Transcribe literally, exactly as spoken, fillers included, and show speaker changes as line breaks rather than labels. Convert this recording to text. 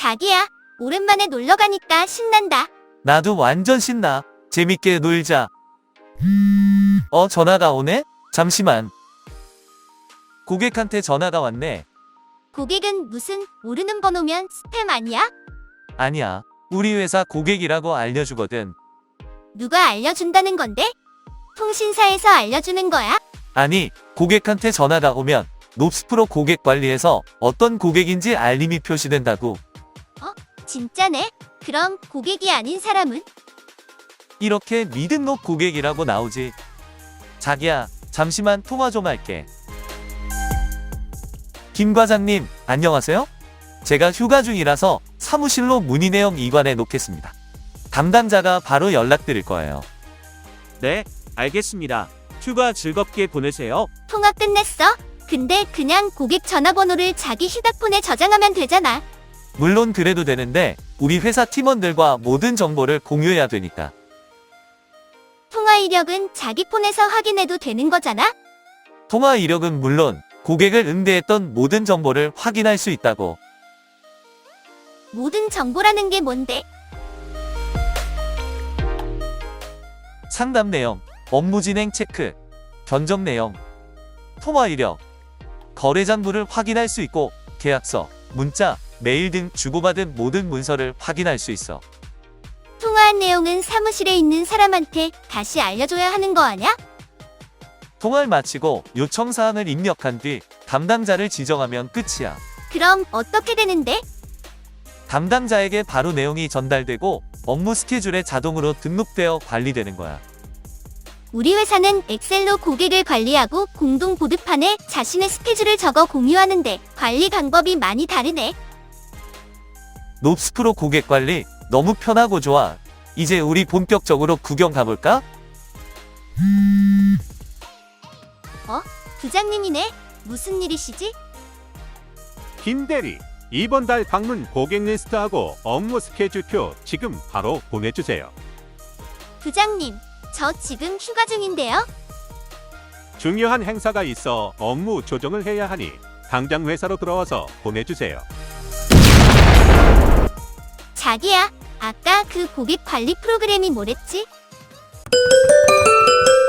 자기야, 오랜만에 놀러 가니까 신난다.
나도 완전 신나. 재밌게 놀자. 어, 전화가 오네? 잠시만. 고객한테 전화가 왔네.
고객은 무슨 모르는 번호면 스팸 아니야?
아니야. 우리 회사 고객이라고 알려주거든.
누가 알려준다는 건데? 통신사에서 알려주는 거야?
아니, 고객한테 전화가 오면 롭스프로 고객 관리에서 어떤 고객인지 알림이 표시된다고.
진짜네? 그럼 고객이 아닌 사람은?
이렇게 미등록 고객이라고 나오지. 자기야, 잠시만 통화 좀 할게. 김 과장님, 안녕하세요? 제가 휴가 중이라서 사무실로 문의 내용 이관해 놓겠습니다. 담당자가 바로 연락드릴 거예요.
네, 알겠습니다. 휴가 즐겁게 보내세요.
통화 끝냈어? 근데 그냥 고객 전화번호를 자기 휴대폰에 저장하면 되잖아.
물론 그래도 되는데 우리 회사 팀원들과 모든 정보를 공유해야 되니까.
통화 이력은 자기 폰에서 확인해도 되는 거잖아?
통화 이력은 물론 고객을 응대했던 모든 정보를 확인할 수 있다고.
모든 정보라는 게 뭔데?
상담 내용, 업무 진행 체크, 견적 내용, 통화 이력, 거래 장부를 확인할 수 있고 계약서, 문자, 메일 등 주고받은 모든 문서를 확인할 수 있어.
통화한 내용은 사무실에 있는 사람한테 다시 알려줘야 하는 거 아냐?
통화를 마치고 요청 사항을 입력한 뒤 담당자를 지정하면 끝이야.
그럼 어떻게 되는데?
담당자에게 바로 내용이 전달되고 업무 스케줄에 자동으로 등록되어 관리되는 거야.
우리 회사는 엑셀로 고객을 관리하고 공동 보드판에 자신의 스케줄을 적어 공유하는데 관리 방법이 많이 다르네.
롭스프로 고객 관리 너무 편하고 좋아. 이제 우리 본격적으로 구경 가볼까?
어? 부장님이네? 무슨 일이시지?
김 대리, 이번 달 방문 고객 리스트하고 업무 스케줄표 지금 바로 보내주세요.
부장님, 저 지금 휴가 중인데요?
중요한 행사가 있어 업무 조정을 해야 하니 당장 회사로 들어와서 보내주세요.
자기야, 아까 그 고객 관리 프로그램이 뭐랬지?